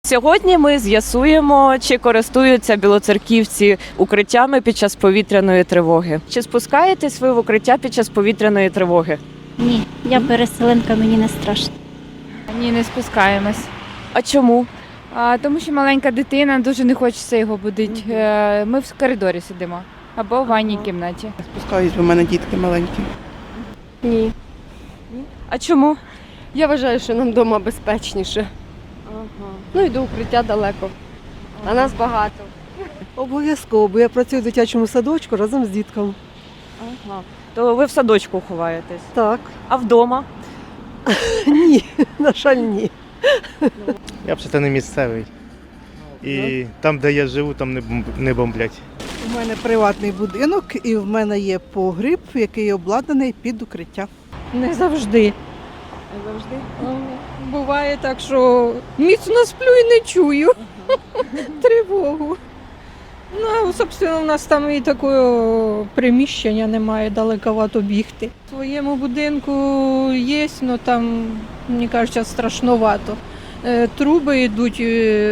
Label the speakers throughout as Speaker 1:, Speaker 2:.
Speaker 1: Сьогодні ми з'ясуємо, чи користуються білоцерківці укриттями під час повітряної тривоги. Чи спускаєтесь ви в укриття під час повітряної тривоги?
Speaker 2: Ні, я переселенка, мені не страшно.
Speaker 3: Ні, не спускаємось.
Speaker 1: А чому?
Speaker 3: Тому що маленька дитина, дуже не хочеться його будити. Ми в коридорі сидимо або в ванній кімнаті.
Speaker 4: Спускаюсь, бо в мене дітки маленькі.
Speaker 5: Ні.
Speaker 1: А чому?
Speaker 5: Я вважаю, що нам вдома безпечніше. Ну і до укриття далеко. А нас багато.
Speaker 6: Обов'язково, бо я працюю в дитячому садочку разом з дітками.
Speaker 1: То ви в садочку ховаєтесь?
Speaker 6: Так.
Speaker 1: А вдома?
Speaker 6: Ні, на жаль, ні.
Speaker 7: Я взагалі не місцевий. І там, де я живу, там не бомблять.
Speaker 4: У мене приватний будинок і в мене є погріб, який обладнаний під укриття.
Speaker 8: Не завжди.
Speaker 1: Не завжди.
Speaker 8: Буває так, що міцно сплю і не чую тривогу. Ну, собственно, у нас там і такого приміщення немає, далековато бігти. В своєму будинку є, але там, мені кажуть, страшновато. Труби йдуть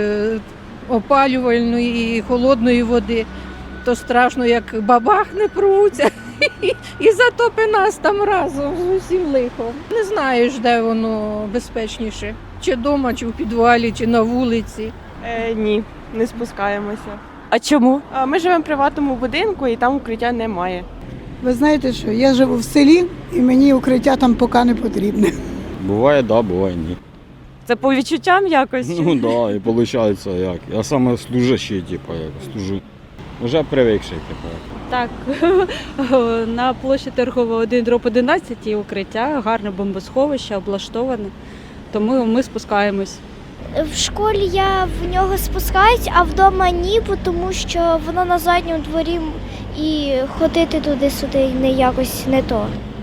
Speaker 8: опалювальної і холодної води. То страшно, як бабахне пруться і затопи нас там разом з усім лихом. Не знаєш, де воно безпечніше. Чи вдома, чи в підвалі, чи на вулиці.
Speaker 9: Ні, не спускаємося.
Speaker 1: А чому?
Speaker 9: Ми живемо в приватному будинку і там укриття немає.
Speaker 10: Ви знаєте що, я живу в селі і мені укриття там поки не потрібне.
Speaker 11: Буває, да, буває, ні.
Speaker 1: Це по відчуттям якось?
Speaker 11: Ну да, і виходить як. Я саме служащий, типу, як служу. Вже привикший, типу.
Speaker 2: Так, на площі Торгова 1/11 укриття, гарне бомбосховище, облаштоване, тому ми спускаємось.
Speaker 12: В школі я в нього спускаюсь, а вдома ні, тому що воно на задньому дворі і ходити туди-сюди не якось не то.